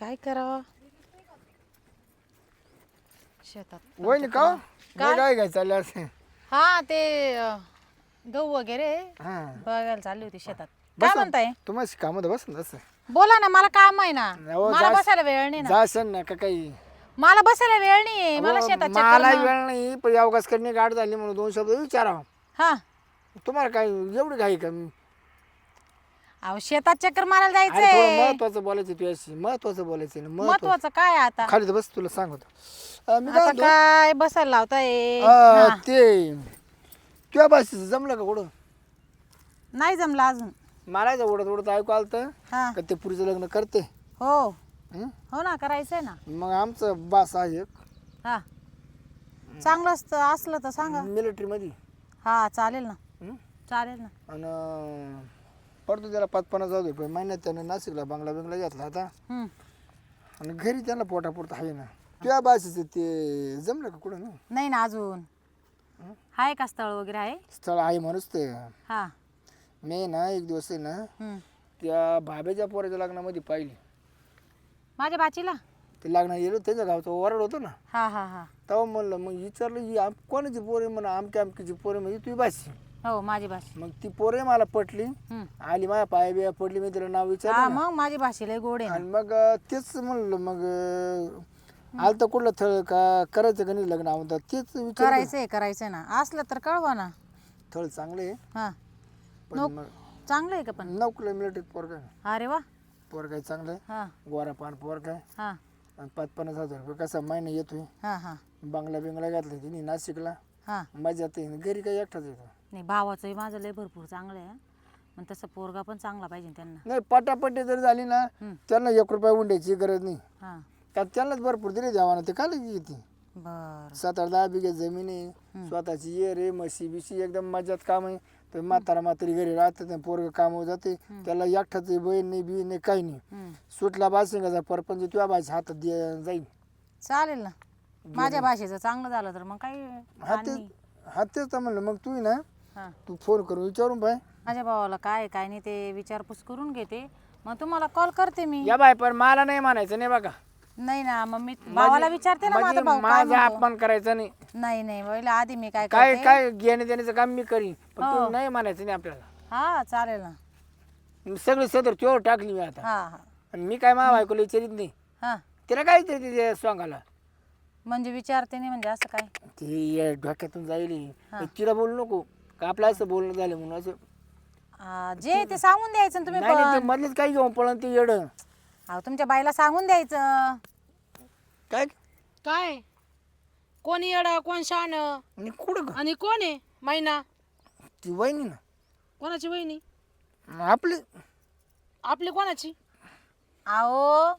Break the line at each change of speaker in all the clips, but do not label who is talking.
काय करावं शेतात
वहिनी का
काय?
काय काय चाललं असं
हा ते गहू वगैरे
हा
बघायला चालली होती शेतात काय म्हणताय
तुम्हाला कामात बस ना तसं
बोला ना मला काम आहे ना
हो,
मला बसायला वेळ नाही ना
जासन ना का काही
मला बसायला वेळ नाही मला
अहो,
शेतात
मला वेळ नाही पण अवकाश करणे गाठ झाली म्हणून 2 शब्द विचारावं
हा
तुम्हाला काय एवढी घाई का
अहो शेतात चक्कर मारायला
अरे थोडं
जायचंय
महत्वाचं बोलायचं तुझ्याशी महत्वाचं बोलायचं ना
महत्वाचं काय आहे आता
खाली तर बस तुला सांगतो मी काय
आता
म्हणतो,
काय बसायला लावताय
ते तुझ्या भाषेचं जमलं का कुठं
नाही जमलं अजून
मला उडत उडत ऐकू आलं तर
हा
का ते पुरीचं लग्न करते
हो
हं?
हो ना करायचंय ना
मग आमचं बास आहे एक
हा चांगलं असलं तर सांगा
मिलिटरी मध्ये
हा चालेल ना
हं?
चालेल ना
आणि पडतो त्याला 5-50 रुपये महिन्यात त्यानं नाशिकला बंगला घेतला आता
हम्म.
आणि घरी त्याला पोटापुरतं आहे ना तुझ्या भाषेचं ते जमलं का कुठं ना
नाही ना अजून आहे का स्थळ वगैरे आहे
स्थळ आहे म्हणूनच ते
हा
मी ना एक दिवस आहे ना
हम्म.
त्या भाभेच्या पोराच्या लग्नामध्ये पाहिली
माझ्या बाचीला
ते लग्न गेलो त्याच्या गावचं वरड होतं ना
हा हा हा
तेव्हा म्हणलं मग विचारलं ही कोणाची पोर आहे म्हणा आमच्या आमकीची पोर आहे म्हणजे तुझी भाषी
हो माझी भाषी
मग ती पोरे मला पटली
हम्म.
आली माझ्या पाया बिया पडली मी तिला नाव
हा
विचारलं ना.
मग माझी भाषी लय गोड आहे ना
आणि मग तेच म्हणलं मग आलं तर कुठलं थळ का करायचं का नाही लग्न म्हणतात तेच विचार
करायचंय ना असलं तर कळवा ना
थळ चांगले आहे
हा
पण मग
चांगलं आहे का पण
9 किलोमीटर पोर काय
अरे वा
पोर काय चांगलं आहे
हा
गोरा पान पोर काय
हा
आणि 5-50 हजार रुपये कसा महिना येतोय
हा हा
बंगला बिंगला घातला तिने नाशिकला
हा
मजा येते घरी काही एकटाच येतो
नाही भावाचंही माझं लय भरपूर चांगलं आहे पण तसं पोरगा पण चांगला पाहिजे त्यांना
नाही पटापटी जर झाली ना त्यांना 1 रुपया उंड्याची गरज नाही
हा
त्यात त्यांनाच भरपूर दिले द्यावा ते काय येते
बर
7-10 बिघे जमीन आहे स्वतःची ये रे म्हशी बिशी एकदम मजात काम आहे तर म्हातारा म्हातारी घरी राहतात पोरग कामावर जाते त्याला एकठाच बहीण नाही बी नाही काही नाही सुटला बासिंगाचा परपंच तुझ्या भाषा हातात जाईल
चालेल ना माझ्या भाषेचं चांगलं झालं तर मग काही
हा तेच तर म्हणलं मग तू ना
हा
तू फोन करून विचारून पाय
माझ्या भावाला काय काय नाही ते विचारपूस करून घेते मग तुम्हाला कॉल करते मी
या बाय पण मला नाही म्हणायचं नाही बघा
नाही ना मग मी भावाला विचारते ना माझा भाऊ काय
माझा अपमान करायचा नाही
नाही नाही पहिला आधी मी काय
काय
करते
काय घेणे देण्याचं काम मी करीन पण तू नाही म्हणायचं नाही आपल्याला
हा चालेल ना
सगळी सदर चोर टाकली मी आता
हा हा
आणि मी काय मा बायकोला विचारित नाही
हा
तिला काय ते सांगायला
म्हणजे विचारते नाही म्हणजे असं काय
ती डोक्यातून जाईल तिला बोलू नको का आपलं असं बोलणं झालं म्हणून असं
जे ते सांगून द्यायचं ना तुम्ही
नाही
पण
ते मधलेच काही घेऊन पळण ते येड
अहो तुमच्या बाईला सांगून द्यायचं
काय
काय कोण येड कोण शान
आणि कुठं ग?
आणि कोण आहे मैना
ती वहिनी ना
कोणाची वहिनी
आपली
आपली कोणाची
अहो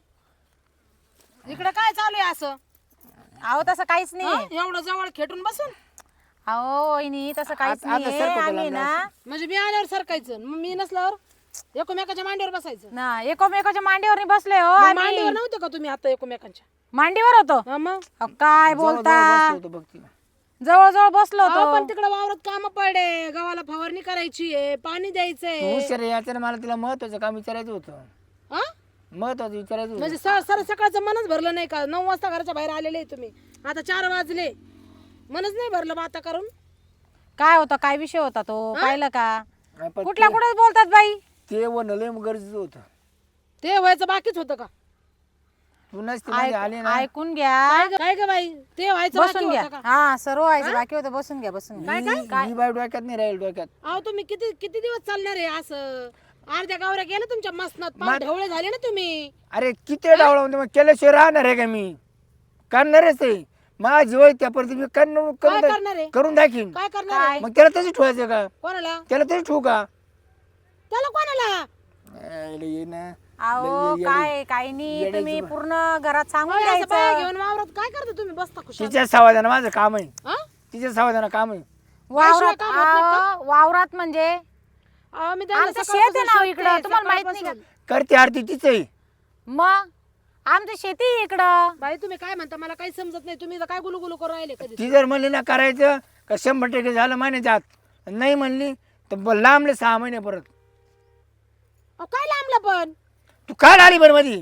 इकडे काय चालू आहे असं
अहो तसं काहीच नाही
हं? एवढं जवळ खेटून बसून
अहो वहिनी तसं काहीच
आता
नाही
सरकतो
आम्ही
तुला
ना
म्हणजे मी आल्यावर सरकायचं मग मी नसल्यावर एकमेकाच्या मांडीवर बसायचं
ना एकोमेकाच्या मांडीवर बसले हो
मग
आम्ही.
मांडीवर नव्हतं का तुम्ही आता एकमेकांच्या
मांडीवर होतो
हं मग
अहो, काय बोलता
होतं बघ तिला
जवळ जवळ बसलो
अहो,
होतो
पण तिकडे वावरात काम पडे गव्हाला फवारणी करायची आहे पाणी द्यायचंय
तू हुशार आहे याचं मला तिला महत्वाचं काम विचारायचं होतं
हं?
महत्वाचं विचारायचं होतं
म्हणजे सर सकाळचं मनच भरलं नाही का 9 वाजता घराच्या बाहेर आलेले तुम्ही आता 4 वाजले मनच नाही भरलं मग आता करून
काय होता काय विषय होता तो पाहिलं का
नाही, पण
कुठल्या कुठे बोलतात बाई
ते वनलं लय गरजेचं होतं
ते व्हायचं बाकीच होतं का
तू नसती मध्ये आली ना
ऐकून घ्या
काय ग बाई ते व्हायचं
बसून
बाकी
घ्या
होतं का
हा सर्व व्हायचं बाकी होतं बसून घ्या बसून घ्या
ही बाई डोक्यात नाही राहील डोक्यात
अहो तुम्ही किती किती दिवस चालणार आहे असं अर्ध्या गावऱ्या गेल्या तुमच्या मसनात पार ढवळे झाले ना तुम्ही
अरे किती डावळा म्हणजे मग केल्याशिवाय राहणार आहे का मी करणारच आहे माझी वय त्यापर्यंत मी
काय करणार आहे
करून दाखीन
काय करणार आहे
मग त्याला तसं ठेवायचं का
कोणाला
त्याला तरी ठेवू का
त्याला कोणाला
ये ना
अहो काय काही नाही तुम्ही पूर्ण घरात सांगून
असं बाया
द्यायचं
घेऊन वावरात काय करता तुम्ही बसता खुशाल
तिच्या सावधान माझं काम आहे
हं?
तिच्या सावधान काम आहे
वावरात अहो, वावरात म्हणजे
अहो, मी त्यांना
आमचं
सकाळपासून
शेत आहे ना
शोधते,
इकडं तुम्हाला माहित नाही का
सकाळपासून.
करते आरती तिचं आहे
मग आमची शेती आहे इकडं
बाई तुम्ही काय म्हणता मला काही समजत नाही तुम्ही तर काय गुलू करून राहिले कधी
ती जर म्हणली ना करायचं का 100% झालं महिन्याच्या आत नाही म्हणली तर लांबले 6 महिने परत
अहो, काय लांबला पण
तू काय आली बरं मधी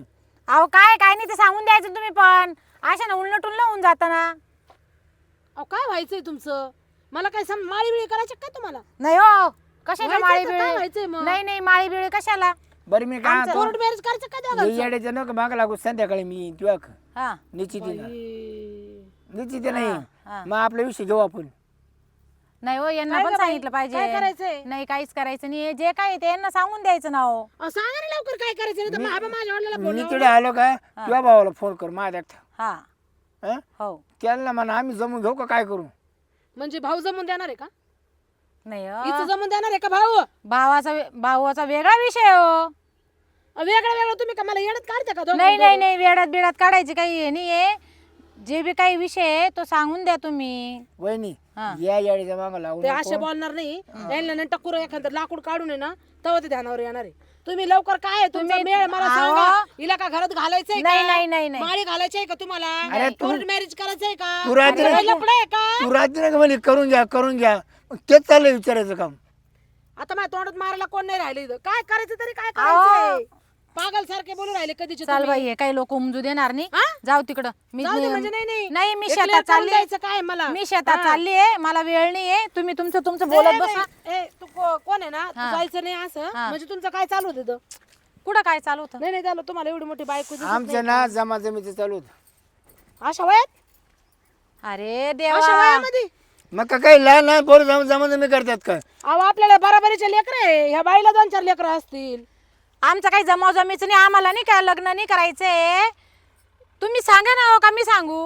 अहो काय काय नाही ते सांगून द्यायचं तुम्ही पण अशा ना उलटून होऊन जाताना.
अहो काय व्हायचंय तुमचं? मला काय माळी बिळी करायची काय तुम्हाला?
नाही हो कशाला
व्हायचंय
माळी
तर काय व्हायचंय
बिळी?
मग?
नाही नाही माळी बिळी कशाला?
बरं मी काय
कोर्ट मॅरेज करायचं काय दोघांचं?
येड्याच्या नको माग लागू संध्याकाळी मी तुला
हा
निश्चित
बाई.
निश्चित नाही
हा.
मग आपला विषय घेऊ आपण.
नाही हो यांना
काय
पण
गं बाई?
सांगितलं
काय
पाहिजे.
करायचंय?
नाही काहीच करायचं नाही जे काय ते यांना सांगून द्यायचं ना हो.
अहो, सांगा ना लवकर काय करायचं नाही तर मग आबा माझ्या वडिलांना
मी
बोलवलं.
तिकडे आलो का तुझ्या भावाला फोन कर माझ्या
हा
हं?
हो
त्यांना म्हणा आम्ही जमून घेऊ का काय करू.
म्हणजे भाऊ जमून देणार आहे का?
नाही हो.
इथं जमून देणार आहे का भाऊ?
भावाचा वेगळा विषय हो.
वेगळं वेगळं तुम्ही का मला येडत काढता का दोघं?
नाही नाही नाही वेडात बिडात काढायची काही हे नाहीये. जे बी काही विषय आहे तो सांगून द्या तुम्ही.
वहिनी
हा.
या येड्याच्या माग लागू
ते
नको.
असे बोलणार नाही. यांना नाही टक्कर एखादं लाकूड काढून आहे ना तेव्हा ते ध्यानावर येणार आहे. तुम्ही लवकर काय आहे तुमचा
तुम्ही-
मेळ मला
अहो.
सांगा. हिला का घरात घालायचंय
नाही
का?
नाही नाही नाही
माळी घालायचंय का तुम्हाला?
अरे तू-
कोर्ट मॅरेज करायचंय का?
तू रात्री-
अरे लफडं आहे का?
तू रात्री नका म्हणे करून घ्या मग तेच चाललंय विचारायचं काम.
आता माझ्या तोंडात मारायला कोण नाही राहिले इथं. काय करायचं तरी काय करायचंय? पागल सारखे बोलू राहिले कधीचे
चाल
तुम्ही.
बाई हे काही लोक उमजू देणार नाही.
हा?
जाऊ तिकडं. मी
जाऊ दे म्हणजे नाही
नाही मी
एक
शेतात
लेकरं
चालली
द्यायचं काय मला?
मी शेतात चालली आहे मला वेळ नाहीये. तुम्ही तुमचं बोलत बसा.
तू कोण आहे ना तू जायचं नाही असं म्हणजे तुमचं काय चालू होतं इथं?
कुठं काय चालू होतं?
नाही झालं तुम्हाला एवढी मोठी बायको दिसत
आमचं ना जमाजमीचं चालू होतं.
नाही. अशा वयात
अरे
अशा
देवा
वयामध्ये
मग का काही लहान लहान पोरं जमाजमी करतात का.
अहो आपल्याला बराबरीचे लेकर आहे. ह्या बाईला 2-4 लेकर असतील.
आमचं काही जमावजमीच नाही. आम्हाला नाही का लग्न नाही करायचंय. तुम्ही सांगा ना हो का मी सांगू.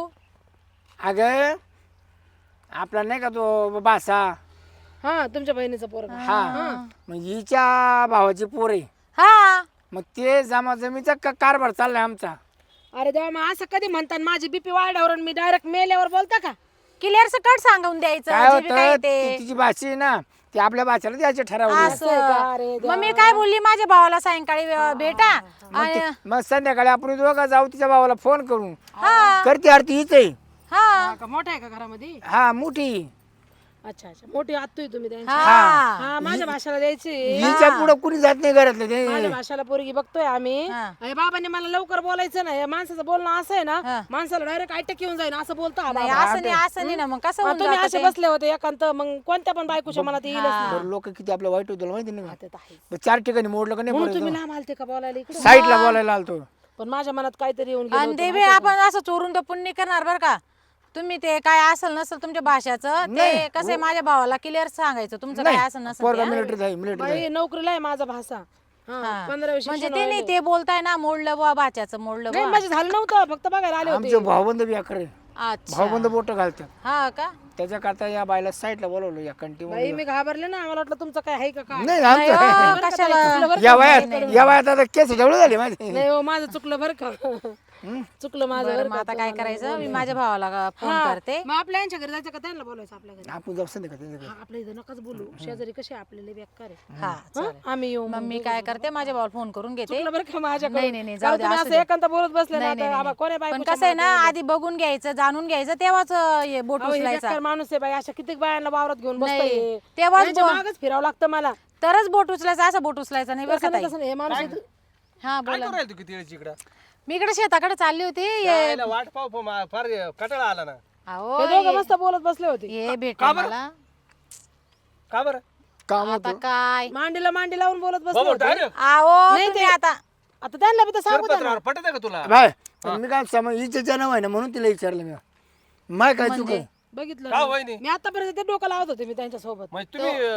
अगं आपला नाही का तो बासा
हा तुमच्या बहिणीचा पोरगा.
हा मग हिच्या भावाची पोर आहे.
हा
मग ते जमाजमीचा कारभार चाललाय आमचा.
अरे देवा मग असं कधी म्हणतात माझी बीपी वाढल्यावर आणि मी डायरेक्ट मेल्यावर बोलता का?
क्लिअर सकट सांगून द्यायचं
काय
जे बी काय
होतं
ते.
तिची भाषी आहे ना ती आपल्या भाषेला द्यायचे ठरवलं.
असं आहे का? अरे
मग मी काय बोलली माझ्या भावाला सायंकाळी भेटा आणि
मग संध्याकाळी आपण दोघं जाऊ तिच्या भावाला फोन करू.
हा
करते आरती हीच आहे.
हा
का मोठा आहे का घरामध्ये?
हा मोठी.
अच्छा मोठी आत्तोय तुम्ही त्यांची.
हा
हा माझ्या भाषाला द्यायची.
हिच्या पुढं कुणी जात नाही घरातलं ते.
माझ्या भाषाला पोरगी बघतोय आम्ही.
हा.
अरे बाबांनी मला लवकर बोलायचं नाही. या माणसाचं बोलणं असं आहे
हा.
ना माणसाला डायरेक्ट अटॅक येऊन जाईल असं बोलतो हा
नाही
बाबा.
असं नाही ना मग कसं होऊन
तुम्ही
जातं
असे
ते?
बसले होते एकांत मग कोणत्या पण बायकोच्या मनात येईलच नाही.
बरं लोक किती आपलं वाईट होतं माहिती नाही का?
ते तर आहेच.
मग 4 ठिकाणी मोडलं का नाही
म्हणून
परत
तुम्ही लांब आलते का बोलायला इकडे?
साईडला बोलायला आलतो.
पण माझ्या मनात काहीतरी येऊन गेलं
आणि
होतं.
देवी आपण असं चोरून तर पुण्य करणार बरं का. तुम्ही ते काय असेल नसेल तुमच्या भाषाचं ते कसं आहे, माझ्या भावाला क्लिअर सांगायचं तुमचं काय असेल नसेल
पोरगा
ते, हा?
मिलिटरीत आहे मिलिटरीत आहे.
बाई, नोकरीला आहे माझा भाषा.
हा.
15 वर्ष
म्हणजे ते नाही ते बोलताय ना मोडलं बुवा भाच्याचं मोडलं
नाही
बुवा.
माझे झालं नव्हतं फक्त बघायला आले होते.
आमचे भाऊबंद बी अकरे
अच्छा
भाऊबंद बोट घालतात.
हा का
त्याच्याकरता या बायला साईडला बोलवलं या कंटिन्यू.
बाई मी घाबरले ना मला वाटलं तुमचं काय आहे का काय.
नाही
नाही
आमचं
हो, कशाला
या वयात आता केस जेवढे झाले माझे.
नाही हो माझं चुकलं बरं का. चुकलं माझं
बरं
बरं
मग
का.
आता काय करायचं मी माझ्या भावाला फोन
हा.
करते.
मग आपल्या यांच्या घरी जायचं का त्यांना बोलायचं आपल्या घरी?
आपण जाऊ संध्या का
हा, आपल्या इथं नकाच बोलू. शेजारी कसे आपल्याला बेकार आहे.
हा
हं?
चालेल.
आम्ही येऊ
मग मी काय करते माझ्या भावाला फोन करून घेते.
चुकलं बरं का माझ्याकडून.
नाही, नाही, नाही, जाऊ
कारण
दे,
तुम्ही
असू
असं
दे.
एकांत बोलत बसले ना
नाही, नाही,
तर आबा, कोण्या
पण
बायकोच्या
कसं आहे ना
मनात
आधी बघून घ्यायचं जाणून घ्यायचं तेव्हाच हे बोट
अहो, हे
उचलायचा.
बेकार माणूस आहे बाई अशा किती बायांना वावरात घेऊन
नाही,
बसतोय.
तेव्हाच
यांच्या मागच फिरावं लागतं मला.
तरच बोट उचलायचं असं बोट उचलायचं नाही बरं का
तसं नाही,
ताई.
तसं नाही. हे माणूस इथं-
हा
काय
बोला.
करू राहिली तू किती वेळची इकडं?
मी इकडे शेताकडे चालली होती
यायला वाट पाहू पाहू फार कटाळा आला ना.
अहो
हे दोघं मस्त बोलत बसले होते.
हे भेटलं मला
का बरं
काम
आता काय
मांडीला मांडी लावून बोलत बसले
बाबा
होते.
डायरेक्ट
अहो
नाही
तुम्ही
ते-
आता
आता त्यांना बी तर सांगू द्या ना.
शिरपतराव पटत आहे का तुला?
बाय पण मी काय समज हिचे जन्म आहे ना म्हणून तिला विचारलं मी. माय काय चुक आहे?
बघितलं
का
ना?
वहिनी?
मी आतापर्यंत ते डोकं लावत होते मी त्यांच्या सोबत.
म्हणजे तुम्ही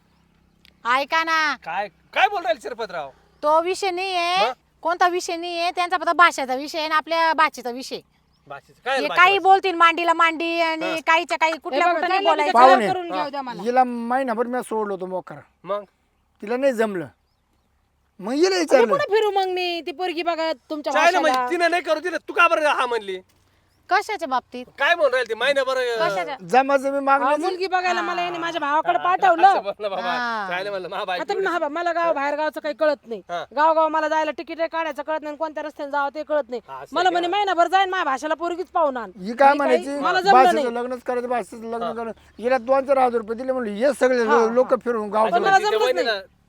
ऐका ना
काय काय बोल राहिले शिरपतराव?
तो विषय नाहीये कोणता विषय नाहीये त्यांचा फक्त भाषेचा विषय आहे आणि आपल्या भाषेचा विषय.
भाषेचं काय
हे काही बोलतील मांडीला मांडी आणि काहीच्या काही कुठल्या कुठं नाही बोलायचं.
पाहुणे.
करून घेऊ द्या मला.
हिला महिनाभर मी सोडलो होतो मोकर.
मग
तिला नाही जमलं मग हिला
मी
विचारलं
कुठे फिरू मग मी ती पोरगी बघत तुमच्या
चायला
भाषेला.
म्हणजे तिनं नाही करू दिलं तू का बरं हा म्हणली?
कशाच्या बाबतीत
काय म्हणून राहील ती महिनाभर
कशाच्या
जमाजमी मागणी
अहो, मुलगी बघायला मला याने माझ्या भावाकडे पाठवलं.
बोललं बाबा चायला म्हणलं मा बाई
आता मला गाव बाहेर गावचं काही कळत नाही.
हा.
गाव मला जायला तिकीट काढायचं कळत नाही कोणत्या रस्त्याने जावं ते कळत नाही.
हा, असं
मला म्हणे महिनाभर जाईन माझ्या भाषेला पोरगीच पाहून आण.
ही काय
मी काही-
म्हणायची
मला जमलं
भाषेचं
नाही.
लग्नच करायचं भाषेचं लग्न करायचं हिला 2-4 हजार रुपये दिले म्हणलं हे सगळे लोक फिरून गाव
पण मला
तिच्या
जमलंच
वहिनीला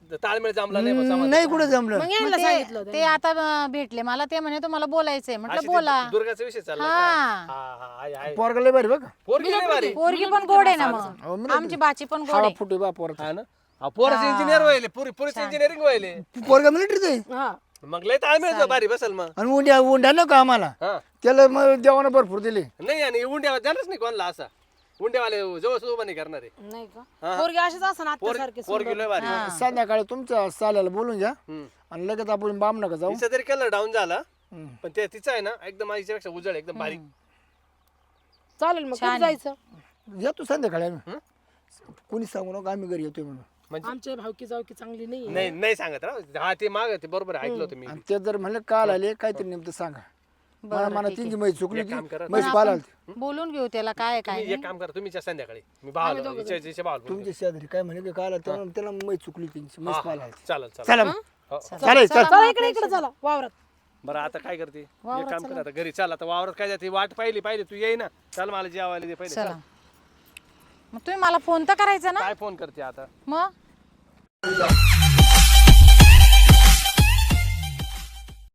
ताळमेळ जमला नाही बा समाज.
नाही कुठे जमलं
मग यायला सांगितलं होतं.
ते आता भेटले मला, ते म्हणे तुम्हाला बोलायचंय. म्हटलं
अशी
बोला.
ते दुर्गाचा विषय चालला का?
हा
हा, आहे, आहे.
पोरगा लय भारी बघा
पोरगी लय भारी.
पोरगी पण गोड आहे ना
अहो,
मग,
मी
आमची बाची पण गोड
हवा
आहे.
फुटे बा पोराचा
हा ना पोराचे इंजिनियर व्हायले, पोरीचे इंजिनिअरिंग व्हायले.
पोरगा मिलिटरीच आहे
हा
मग लय ताळमेळ भारी बसल मग.
आणि उंड्या नको आम्हाला
हा
त्याला मग देवानं भरपूर दिले
नाही आणि उंड्या जाणारच नाही कोणाला असा. उंड्यावाले जवळ उभा नाही करणार आहे.
नाही का पोरगी अशीच असं आत्यासारखी
पोरगी लय भारी.
संध्याकाळी तुमच्या साल्याला बोलून घ्या
हम्म.
आणि लगेच आपण बाम नका जाऊ
तिचा तरी कलर डाऊन झाला
हम्म.
पण ते तिचा आहे ना एकदम आईच्यापेक्षा उजळ आहे, एकदम बारीक.
चालेल मग कुठं जायचं
येतो संध्याकाळी आम्ही कोणी सांगू नका आम्ही घरी येतोय म्हणून
म्हणजे
आमच्या भावकी जावकी चांगली नाही
नाही नाही सांगत राव. हा ते माग ते बरोबर आहे, ऐकलं होतं मी.
आणि ते जर म्हणलं काल आले काहीतरी नेमकं सांगा मला त्यांची म्हैस चुकली
एक काम करा.
होती म्हैस पाला
बोलून घेऊ त्याला काय काय
तुम्ही एक काम करा, तुम्ही संध्याकाळी मी भावाला भावाला बोलतो.
तुमच्या शेजारी काय म्हणे की काल त्याला म्हैस चुकली त्यांची म्हैस पाला
चालेल चालेल.
चला मग.
हो.
चालेल चल
चला इकडे चला वावरात
बरं आता काय करते एक काम कर, आता घरी चाल. आता वावरात काय जाते वाट पाहिली तू येई ना. चल मला जेवायला दे पहिले.
चला मग तुम्ही मला फोन तर करायचा ना
काय फोन करते आता.
मग